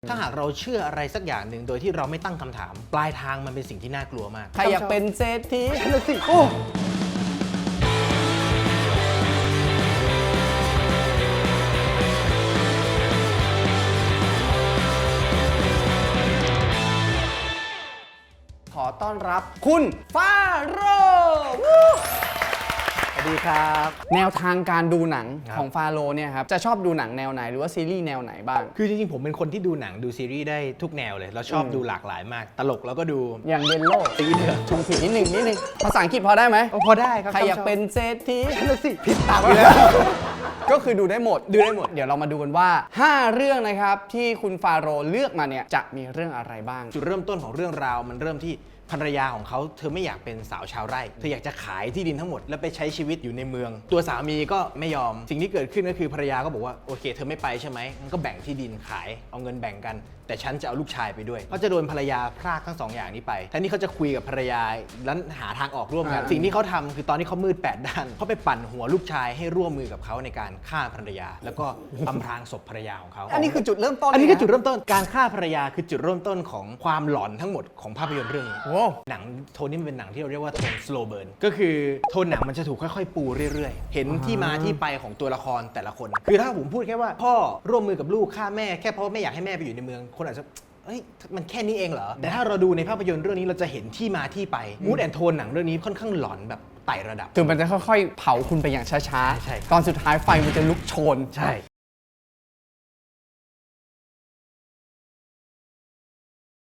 ถ้าหากเราเชื่ออะไรสักอย่างหนึ่งโดยที่เราไม่ตั้งคำถาม ปลายทางมันเป็นสิ่งที่น่ากลัวมากใครอยากเป็นเศรษฐีนั่นนะสิโอ้ขอต้อนรับคุณฟาโรห์สวัสดีครับแนวทางการดูหนังครับของฟาโรห์เนี่ยครับจะชอบดูหนังแนวไหนหรือว่าซีรีส์แนวไหนบ้างคือจริงๆผมเป็นคนที่ดูหนังดูซีรีส์ได้ทุกแนวเลยเราชอบดูหลากหลายมาก ตลกแล้วก็ดูอย่างเยลโล่ตีเถอะชงผิดนิดนึงภาษาอังกฤษพอได้ไหมพอได้ครับใครอยากเป็นเศรษฐีนั่นนะสิผิดตามเลยก็คือดูได้หมด เดี๋ยวเรามาดูกันว่า 5 เรื่องนะครับที่คุณฟาโรห์เลือกมาเนี่ยจะมีเรื่องอะไรบ้างจุดเริ่มต้นของเรื่องราวมันเริ่มที่ภรรยาของเขาเธอไม่อยากเป็นสาวชาวไร่เธออยากจะขายที่ดินทั้งหมดแล้วไปใช้ชีวิตอยู่ในเมือง ตัวสามีก็ไม่ยอมสิ่งที่เกิดขึ้นก็คือภรรยาก็บอกว่าโอเคเธอไม่ไปใช่ไหมงั้นก็แบ่งที่ดินขายเอาเงินแบ่งกัน แต่ฉันจะเอาลูกชายไปด้วยก็จะโดนภรรยาพรากทั้งสองอย่างนี้ไปแทนที่เขาจะคุยกับภรรยาแล้วหาทางออกร่วมกัน สิ่งที่เขาทำคือตอนที่เขามืด8ด้านเขาไปปั่นหัวลูกชายให้ร่วมมือกับเขาในการฆ่าภรรยา แล้วก็อำพรางศพภรรยาของเขาอันนี้คือจุดเริ่มต้นอันนี้คือจุดเลยะเริ่มต้นการฆ่าภรรยาคือจุดเริ่มต้นของความหลอนทั้งหมดของภาพยนตร์เรื่องนี้โอ้หนังโทนนี้มันเป็นหนังที่เราเรียกว่าโทน slow burn ก็คือโทนหนังมันจะถูกค่อยๆ ปูเรื่อยๆ เห็นที่มาที่ไปของตัวละครแต่ละคน คือถ้าผมพูดแค่ว่าพ่อร่วมมือกับลูกฆ่าแม่แค่เพราะไม่อยากให้แม่ไปอยู่ในเมือง คนอาจจะเอ้ยมันแค่นี้เองเหรอ แต่ถ้าเราดูในภาพยนตร์เรื่องนี้เราจะเห็นที่มาที่ไปมูดแอนโทนหนังเรื่องนี้ค่อนข้างหลอนแบบไต่ระดับคือมันจะค่อยๆ เผาคุณไปอย่างช้าใช่ครับตอนสุดท้ายไฟมันจะลุกโชนใช่